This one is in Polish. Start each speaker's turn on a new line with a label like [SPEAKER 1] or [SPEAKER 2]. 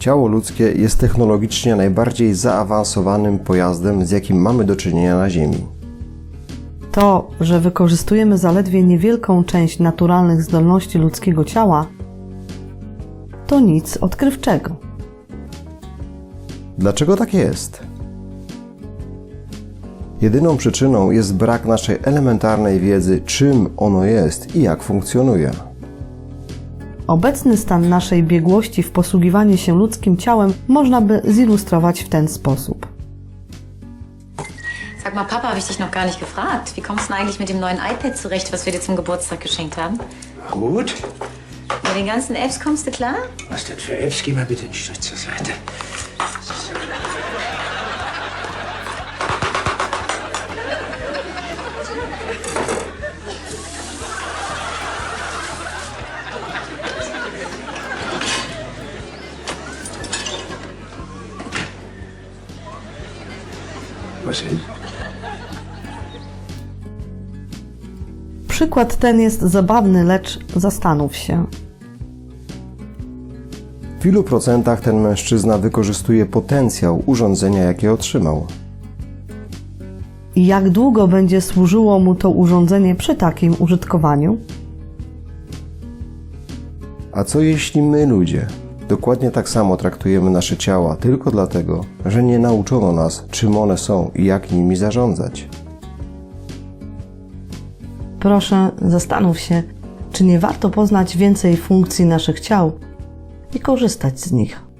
[SPEAKER 1] Ciało ludzkie jest technologicznie najbardziej zaawansowanym pojazdem, z jakim mamy do czynienia na Ziemi.
[SPEAKER 2] To, że wykorzystujemy zaledwie niewielką część naturalnych zdolności ludzkiego ciała, to nic odkrywczego.
[SPEAKER 1] Dlaczego tak jest? Jedyną przyczyną jest brak naszej elementarnej wiedzy, czym ono jest i jak funkcjonuje.
[SPEAKER 2] Obecny stan naszej biegłości w posługiwaniu się ludzkim ciałem można by zilustrować w ten sposób.
[SPEAKER 3] Sag mal, Papa, habe ich dich noch gar nicht gefragt. Wie kommst du denn eigentlich mit dem neuen iPad zurecht, was wir dir zum Geburtstag geschenkt haben?
[SPEAKER 4] Gut.
[SPEAKER 3] Mit den ganzen Apps kommst du klar?
[SPEAKER 4] Was denn für Apps? Geh mal bitte einen Schritt zur Seite. Was ist?
[SPEAKER 2] Przykład ten jest zabawny, lecz zastanów się.
[SPEAKER 1] W ilu procentach ten mężczyzna wykorzystuje potencjał urządzenia, jakie otrzymał?
[SPEAKER 2] I jak długo będzie służyło mu to urządzenie przy takim użytkowaniu?
[SPEAKER 1] A co jeśli my, ludzie, dokładnie tak samo traktujemy nasze ciała tylko dlatego, że nie nauczono nas, czym one są i jak nimi zarządzać?
[SPEAKER 2] Proszę, zastanów się, czy nie warto poznać więcej funkcji naszych ciał i korzystać z nich.